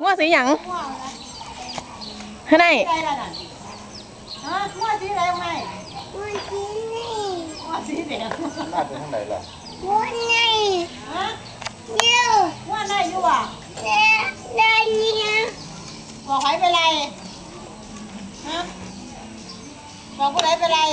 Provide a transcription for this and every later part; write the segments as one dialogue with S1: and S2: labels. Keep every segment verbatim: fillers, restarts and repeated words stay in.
S1: งัวสีหยังให้ได้
S2: ฮะงัวสีแดงไหมงัวสีนี่งัวสีแดง
S3: น่าจะทางไหนล่ะ
S2: งัวนี่ฮะเดี๋ยวงัวได้อยู่อ่ะได้ได้เนี่ยบอกใครไปไรฮะบอกผู้ใดไปไร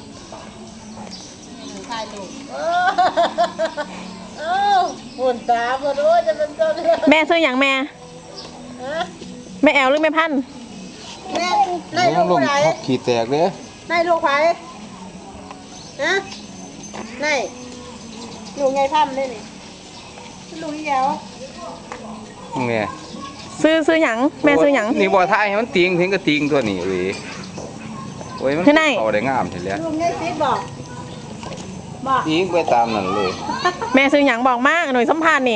S2: ใครลูกเออเออหุ่นตาบ่รู้จะเป็นตัว
S1: แม่ซื้อหยังแม่แม่แอลหรือแม่พัน
S2: แม่ได้ลูกผู้ใด
S3: ขี่แตกเลย
S2: ได้ลูกใครฮะได้ลูกไงพันได้นี่ลูกยี่แอว
S3: ไง
S1: ซื้อซื้อหยังแม่ซื้อหยัง
S3: นี่บ่อท้ายมันติงเพียงก็ติงตัวนี้เลยโอ้ยมันเอาได้งามเห็นแล้ว
S2: ลุงได้ซิดบอกบอก
S3: ติงไปตามนั่นเลย
S1: แม่ซื้อหยังบอกมากหน่วยสัมพันธ์นี่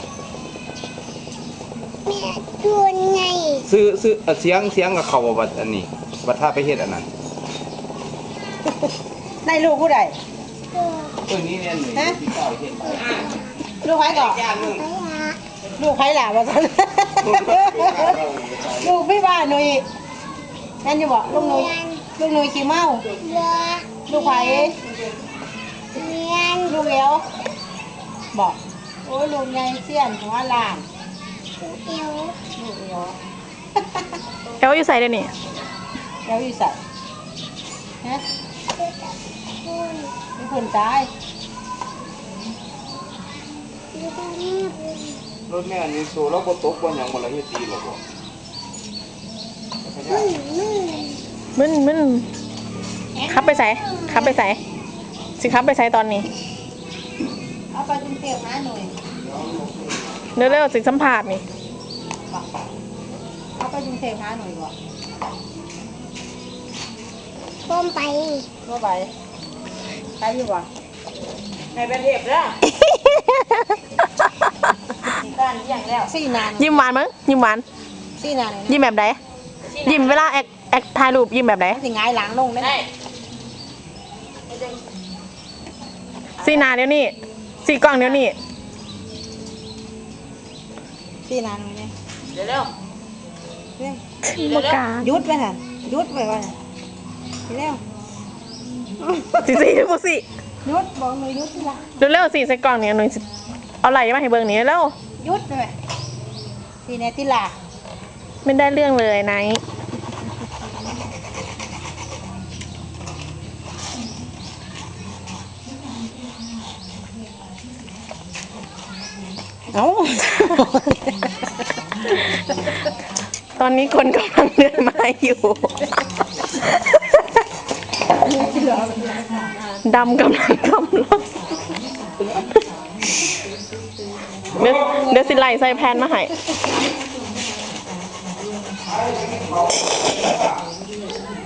S2: แม่ตัวไง
S3: ซื้อซื้อเสียงเสียงกับเขาบัดอันนี้บัดท่าไปเฮ็ดอันนั้น
S2: ได้ลูกผู้ใด
S3: ตัวนี้เนี่ยหนึ่งที่เก้าเฮ็ด
S2: ลูกใครก่อนลูกใครหล่ะวะสันลูกพี่บ้านหนุ่ยนั่นอยู่บอกลูกหนุ่ยลูกหนุ่ยขี้เมาลูกใครลูกเอวบอกโอ้ลูกไงเสี้ยนหัวลานเอวลูกเอว
S1: เอวอยู่ใส่เลยนี่
S2: เอวอยู่ใส่ฮะมีคนตาย
S3: รถแม่นี่โซ่แล้วบ่ตกบ่หยังบ่ละเฮ็ดดีหรอกบ่
S1: มึนมึนขับไปใส่ขับไปใส่สิขับไปใส่ตอนนี้
S2: เอาไปกรุงเทพนะหน่อย
S1: เร็วๆสิสัมภาษณ์นี่
S2: เอาไปกรุงเทพนะหน่อยก่อนพ่มไปพ่มไปไปอยู่บ่ในประเทศเด้อสี่นาน
S1: ยิ้มหวานมั้งยิ้มหวาน
S2: สี่นาน
S1: ยิ้มแบบไหนยิ้มเวลาแอคแอคถ่ายรูปยิ้มแบบไหน
S2: สิง่ายหลังลงได้
S1: สี่นาเดี๋ยวนี้สี่กล่องเดี๋ยวนี้
S2: สี่นานเลยเนี่ย
S1: เดี๋ยวเร็ว
S2: บกายุดไปค่ะยุดไปก่อนเร็ว
S1: สี่สี่พวกสี่
S2: ยุดบอกหน่อยยุดที่ละ
S1: เร็วเร็วสี่ใส่กล่องเนี่ยหน่อยเอาไหลมาให้เบิ่งนี้เร็ว
S2: ยุดเลยสี่เนติลา
S1: ไม่ได้เรื่องเลยไน
S2: เอ้า
S1: ตอนนี้คนกำลังเดินมาอยู่ดำกำลังกำลังเดี๋ยวเดี๋ยวสิไลใส่แพนมาให้